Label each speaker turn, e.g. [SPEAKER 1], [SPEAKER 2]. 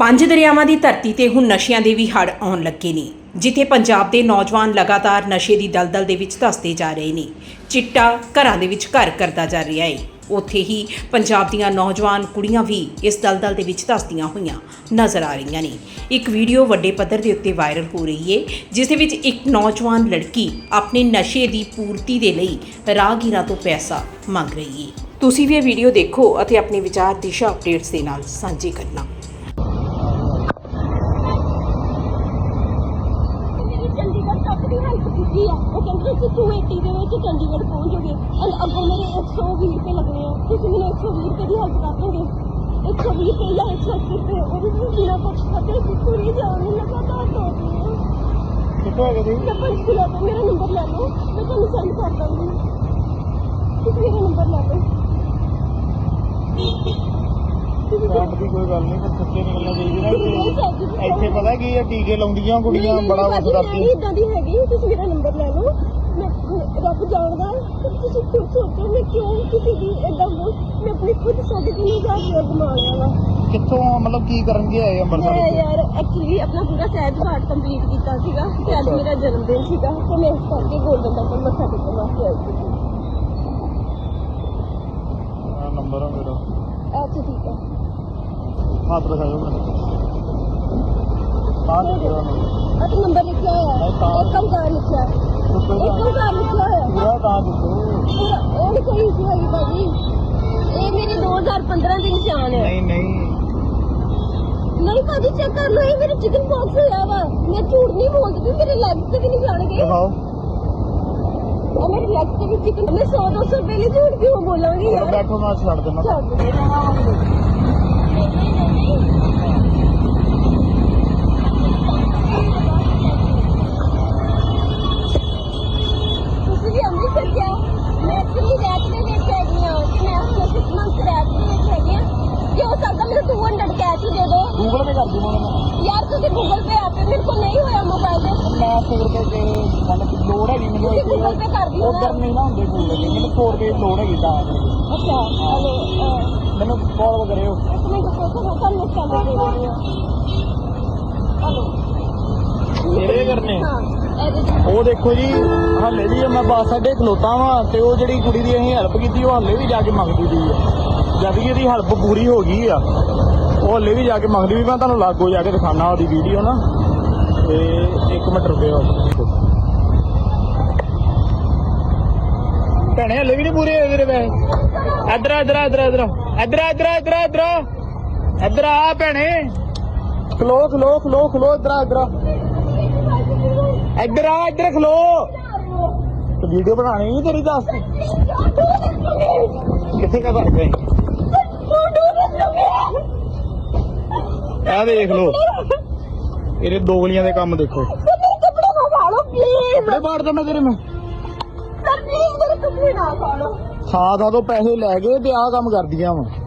[SPEAKER 1] ਪੰਜ ਦਰਿਆਵਾਂ ਦੀ ਧਰਤੀ ਤੇ ਹੁਣ ਨਸ਼ਿਆਂ ਦੇ ਵੀ ਹੜ੍ਹ ਆਉਣ ਲੱਗੇ ਨੇ। ਜਿੱਥੇ ਪੰਜਾਬ ਦੇ ਨੌਜਵਾਨ ਲਗਾਤਾਰ ਨਸ਼ੇ ਦੀ ਦਲਦਲ ਦੇ ਵਿੱਚ ਧੱਸਦੇ ਜਾ ਰਹੇ ਨੇ। ਚਿੱਟਾ ਘਰਾਂ ਦੇ ਵਿੱਚ ਘਰ ਕਰਦਾ ਜਾ ਰਿਹਾ ਹੈ। ਉੱਥੇ ਹੀ ਪੰਜਾਬ ਦੀਆਂ ਨੌਜਵਾਨ ਕੁੜੀਆਂ ਵੀ ਇਸ ਦਲਦਲ ਦੇ ਵਿੱਚ ਧੱਸਦੀਆਂ ਹੋਈਆਂ ਨਜ਼ਰ ਆ ਰਹੀਆਂ ਨੇ। ਇੱਕ ਵੀਡੀਓ ਵੱਡੇ ਪੱਧਰ ਦੇ ਉੱਤੇ ਵਾਇਰਲ ਹੋ ਰਹੀ ਹੈ, ਜਿਸ ਦੇ ਵਿੱਚ ਇੱਕ ਨੌਜਵਾਨ ਲੜਕੀ ਆਪਣੇ ਨਸ਼ੇ ਦੀ ਪੂਰਤੀ ਦੇ ਲਈ ਰਾਹਗੀਰਾਂ ਤੋਂ ਪੈਸਾ ਮੰਗ ਰਹੀ ਹੈ। ਤੁਸੀਂ ਵੀ ਇਹ ਵੀਡੀਓ ਦੇਖੋ ਅਤੇ ਆਪਣੇ ਵਿਚਾਰ ਦਿਸ਼ਾ ਅਪਡੇਟਸ ਦੇ ਨਾਲ ਸਾਂਝੇ ਕਰਨਾ।
[SPEAKER 2] चंडीगढ़ पहुंचोगे अगर मेरे 120 रुपये लगने हैं तो मैंने 120 रुपये की हेल्प कर दोगे। 120 रुपये या 180 रुपये वो भी बिना कुछ खाते पूरी जान लगातार दौड़ रही है। मेरा नंबर ले लो, मैं तुम्हें सेंड कर दूंगी। मेरा नंबर ले लो।
[SPEAKER 3] ਦੀ ਕੋਈ ਗੱਲ ਨਹੀਂ, ਪਰ ਸੱਚੇ ਨਿਕਲਣਾ ਚਾਹੀਦਾ ਨਾ। ਇੱਥੇ ਪਤਾ ਕੀ ਹੈ, ਟੀਕੇ ਲਾਉਂਦੀਆਂ ਕੁੜੀਆਂ ਬੜਾ ਕੁਝ ਕਰਦੀਆਂ।
[SPEAKER 2] ਇਦਾਂ ਦੀ ਹੈਗੀ, ਤੁਸੀਂ ਮੇਰਾ ਨੰਬਰ ਲੈ ਲਓ। ਮੈਂ ਰੱਬ ਜਾਣਦਾ ਤੁਸੀਂ ਖੁਦ ਸੋਚੋ ਮੈਂ ਕਿਉਂ ਕਿਸੇ ਦੀ ਏਦਾਂ ਮੈਂ ਆਪਣੀ ਖੁਦ 3,500 ਰੁਪਇਆ ਕਮਾ ਲਿਆ ਵਾ।
[SPEAKER 3] ਕਿੱਥੋਂ ਮਤਲਬ ਕੀ ਕਰਨਗੇ ਆਏ ਅੰਮ੍ਰਿਤਸਰ?
[SPEAKER 2] ਮੈਂ ਯਾਰ ਐਕਚੁਅਲੀ ਆਪਣਾ ਪੂਰਾ ਸਹਿਜ ਪਾਠ ਕੰਪਲੀਟ ਕੀਤਾ ਸੀਗਾ ਤੇ ਅੱਜ ਮੇਰਾ ਜਨਮ ਦਿਨ ਸੀਗਾ ਤੇ ਮੈਂ ਇਸ ਕਰਕੇ ਗੋਲਡਨ ਟੈਂਪਲ ਮੱਥਾ ਟੇਕਣ ਵਾਸਤੇ ਆਈ ਸੀ।
[SPEAKER 3] ਨੰਬਰ ਆ ਮੇਰਾ।
[SPEAKER 2] ਅੱਛਾ ਠੀਕ ਹੈ,
[SPEAKER 3] ਹੱਥ ਦਿਖਾਓ ਮੈਨੂੰ। ਤਾਂ ਦੇਖੋ
[SPEAKER 2] ਅੱਛਾ ਨੰਬਰ ਲਿਖਿਆ ਹੋਇਆ ਹੈ, ਇੱਕ ਓਂਕਾਰ ਲਿਖਿਆ ਹੈ, ਇੱਕ ਓਂਕਾਰ ਲਿਖਿਆ ਹੋਇਆ
[SPEAKER 3] ਪੂਰਾ ਤਾਂ ਦੇਖੋ।
[SPEAKER 2] ਉਹ ਨਹੀਂ ਕੋਈ ਇਸ਼ੂ ਹੈਗੀ ਭਾਜੀ, ਇਹ ਮੇਰੇ 2015 ਦੇ ਨਿਸ਼ਾਨ ਹੈ। ਨਹੀਂ ਭਾਜੀ ਚੈੱਕ ਕਰ ਲਓ, ਇਹ ਮੇਰੇ ਚਿਕਨ ਬਾਕਸ ਹੋਇਆ ਵਾ। ਮੈਂ ਝੂਠ ਨਹੀਂ ਬੋਲਦੀ, ਮੇਰੇ ਲੈਗ ਤੇ ਵੀ ਨਹੀਂ ਜਾਣਗੇ।
[SPEAKER 3] ਦਿਖਾਓ
[SPEAKER 2] ਉਹ ਮੇਰੇ ਲੈਗ ਤੇ ਵੀ ਚਿਕਨ। ਮੈਂ 100-200 ਰੁਪਏ ਲਈ ਝੂਠ ਕਿਉਂ ਬੋਲਾਂਗੀ ਯਾਰ।
[SPEAKER 3] ਬੈਠੋ ਮੈਂ ਛੱਡ ਦੇਣਾ।
[SPEAKER 2] ਤੁਸੀਂ ਵੀ ਅੰਮ੍ਰਿਤਸਰ ਜਾਓ। ਮੈਂ ਐਕਚੁਅਲੀ ਰੈਕ ਦੇ ਵਿੱਚ ਹੈਗੀ ਹਾਂ ਤੇ ਮੈਂ ਹੁਣ 6 ਮੰਥ ਰੈਕ ਦੇ ਵਿੱਚ ਹੈਗੀ ਹਾਂ। ਜੇ ਹੋ ਸਕਦਾ ਮੈਨੂੰ 200 ਕੈਸ਼ ਹੀ ਦੇ ਦਿਓ।
[SPEAKER 3] ਗੂਗਲ ਪੇ ਕਰ ਦੂੰਗਾ ਮੈਂ
[SPEAKER 2] ਯਾਰ ਤੁਸੀਂ ਗੂਗਲ ਪੇ ਆਪੇ ਮੇਰੇ ਕੋਲ ਨਹੀਂ ਹੋਇਆ ਮੋਬਾਈਲ ਤੇ।
[SPEAKER 3] ਮੈਂ 100 ਰੁਪਏ ਤੇ ਮਤਲਬ ਲੋੜ ਹੈਗੀ ਮੈਨੂੰ।
[SPEAKER 2] ਤੁਸੀਂ ਗੂਗਲ ਪੇ ਕਰ ਦਿਓ ਨਾ।
[SPEAKER 3] ਉਧਰ ਨਹੀਂ ਨਾ ਹੁੰਦੇ ਗੂਗਲ ਪੇ, ਮੈਨੂੰ 100 ਰੁਪਏ ਦੀ ਲੋੜ ਹੈਗੀ ਤਾਂ
[SPEAKER 2] ਅੱਛਾ ਹਲੋ
[SPEAKER 3] ਮੈਨੂੰ ਕਾਲ ਕਰਿਓ।
[SPEAKER 2] ਇੱਕ ਮਿੰਟ ਸੋਚੋ, ਮੈਂ ਤੁਹਾਨੂੰ ਸੈਂਡ ਦੇ ਰਹੀ ਹਾਂ। ਹਲੋ
[SPEAKER 3] ਮੇਰੇ ਕਰਨੇ
[SPEAKER 2] ਹਾਂ ਇਹਦੇ
[SPEAKER 3] ਉਹ ਦੇਖੋ ਜੀ, ਹਾਲੇ ਵੀ ਮੈਂ ਬੱਸ ਅੱਡੇ ਖਲੋਤਾ ਵਾਂ ਤੇ ਉਹ ਜਿਹੜੀ ਕੁੜੀ ਦੀ ਅਸੀਂ ਹੈਲਪ ਕੀਤੀ ਉਹ ਹਾਲੇ ਵੀ ਜਾ ਕੇ ਮੰਗਦੀ ਪਈ ਆ। ਜਦ ਕਿ ਇਹਦੀ ਹੈਲਪ ਪੂਰੀ ਹੋ ਗਈ ਆ, ਉਹ ਹਾਲੇ ਵੀ ਜਾ ਕੇ ਮੰਗਦੀ ਵੀ। ਮੈਂ ਤੁਹਾਨੂੰ ਲਾਗੋ ਜਾ ਕੇ ਦਿਖਾਣਾ ਉਹਦੀ ਵੀਡੀਓ ਨਾ, ਤੇ 1 ਮਿੰਟ ਰੁਕਿਓ। ਭੈਣੇ ਹਲੇ ਵੀ ਨਹੀਂ ਪੂਰੇ ਹੋਏ ਤੇਰੇ ਪੈਸੇ। ਇੱਧਰ ਇੱਧਰ ਇੱਧਰ ਇੱਧਰ ਇੱਧਰ ਇੱਧਰ ਇੱਧਰ ਇੱਧਰ ਇੱਧਰ ਆ ਭੈਣੇ, ਖਲੋ ਖਲੋ ਖਲੋ ਖਲੋ ਇੱਧਰ ਇੱਧਰ ਇੱਧਰ ਆ, ਇੱਧਰ ਖਲੋ। ਤੇ ਵੀਡੀਓ ਬਣਾਣੀ ਨਹੀਂ ਤੇਰੀ, ਦੱਸ ਕਿੱਥੇ ਕਾ ਕਰ ਗਏ? ਆ ਦੇਖ ਲੋ ਇਹਦੇ ਦੋਗਲੀਆਂ ਦੇ ਕੰਮ ਦੇਖੋ।
[SPEAKER 2] ਕੱਪੜੇ ਨਾ ਖਾ ਲਓ ਪਲੀਜ਼।
[SPEAKER 3] ਕੱਪੜੇ ਪਾੜ ਦਵਾਂ ਤੇਰੇ ਮੈਂ।
[SPEAKER 2] ਸਰ ਪਲੀਜ਼ ਮੇਰੇ ਕੱਪੜੇ ਨਾ ਖਾ ਲਓ।
[SPEAKER 3] ਖਾ ਤੋਂ ਪੈਸੇ ਲੈ ਗਏ ਤੇ ਆਹ ਕੰਮ ਕਰਦੀਆਂ ਵਾ।